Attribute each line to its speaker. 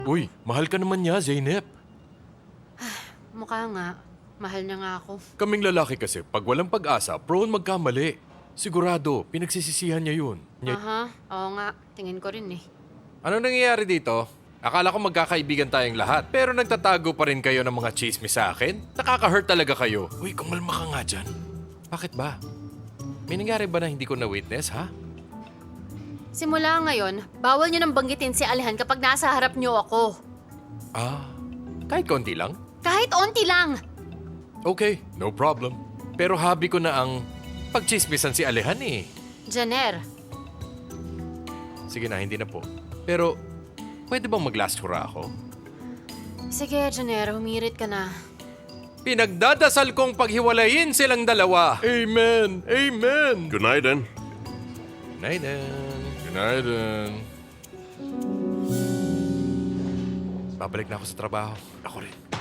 Speaker 1: Uy, mahal ka naman niya, Zeynep.
Speaker 2: Mukha nga. Mahal niya nga ako.
Speaker 1: Kaming lalaki kasi, pag walang pag-asa, prone magkamali. Sigurado, pinagsisisihan niya yun.
Speaker 2: Aha, oo nga. Tingin ko rin eh.
Speaker 1: Ano nangyayari dito? Akala ko magkakaibigan tayong lahat, pero nagtatago pa rin kayo ng mga chismis sa akin? Nakaka-hurt talaga kayo. Uy, kumalma ka nga dyan. Bakit ba? May nangyari ba na hindi ko na-witness, ha?
Speaker 2: Simula ngayon, bawal niyo nang banggitin si Alehan kapag nasa harap niyo ako.
Speaker 1: Ah, kahit konti lang?
Speaker 2: Kahit onti lang!
Speaker 1: Okay, no problem. Pero hobby ko na ang pagchismisan si Alehan eh.
Speaker 2: Janer,
Speaker 1: Sige na, hindi na po. Pero, pwede bang mag-last hurrah ako?
Speaker 2: sige Janer, humirit ka na.
Speaker 1: Pinagdadasal kong paghiwalayin silang dalawa. Amen! Amen!
Speaker 3: Good night, then.
Speaker 1: Good night, Good night, Babalik na ako sa trabaho. Ako rin.